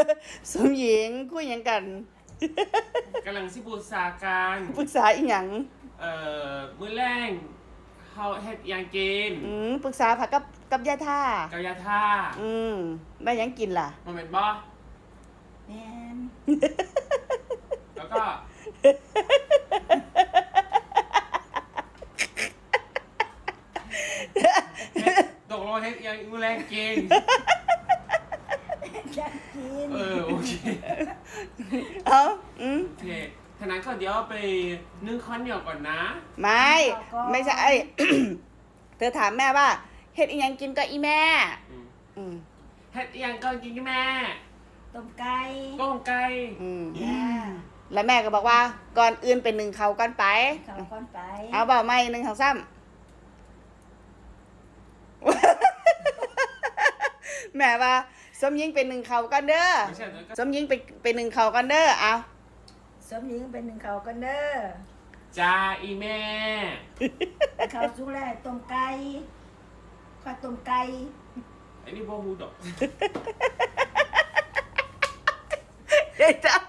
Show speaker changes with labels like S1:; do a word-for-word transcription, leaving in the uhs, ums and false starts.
S1: สมหญิงคุยหยังกัน
S2: กำลังสิปรึกษากัน
S1: ปรึกษาอีหยัง
S2: เอ่อมื้อแรงเฮาเฮ็ดหยังกิน
S1: อืมปรึกษาผักกับกับยาท่า
S2: กับยาท่า
S1: อืมได้หยังกินล่ะ
S2: มันเป็นบ่
S3: แม่น
S2: แล้วก็ตกลงเฮ็ดหยังมื้อแรงกิน
S3: อยากกิน
S2: เออโอเค
S1: เอาอืม
S2: โอเคทางนั้นก็เดี๋ยวไปนึ่งข้าวเหนียวก่อนนะ
S1: ไม่ ไม่ใช่ เธอถามแม่ว่าเฮ็ดอีหยังกินก็อีแม่
S2: อืม
S1: อืม
S2: เฮ็ดหยังก่อนกินกับแม่
S3: ต้มไก่
S2: ต้มไก่
S1: อืม
S3: จ้า
S1: แล้วแม่ก็บอกว่าก่อนอื่นเป็นหนึ่งเขาก่อนไป
S3: เขาก่อนไป
S1: เอาเบาไม่หนึ่งเขาซ้ำ แม่ว่าสมยิงเป็นหนึ่งเขาก่อนเด้อ
S2: ไม่ใช่แล้วก็
S1: สมยิงเป็นเป็นหนึ่งเขาก่อนเด้อเอา
S3: สมหญิงเป็นหนึ่งเขากันเด้อ
S2: จ้าอีแม่
S3: เขาสุกแล้วต้มไก่ข้าวต้มไก่
S2: ไอ้นี่บ่ฮู้ดอก
S1: เฮ้ยจ้า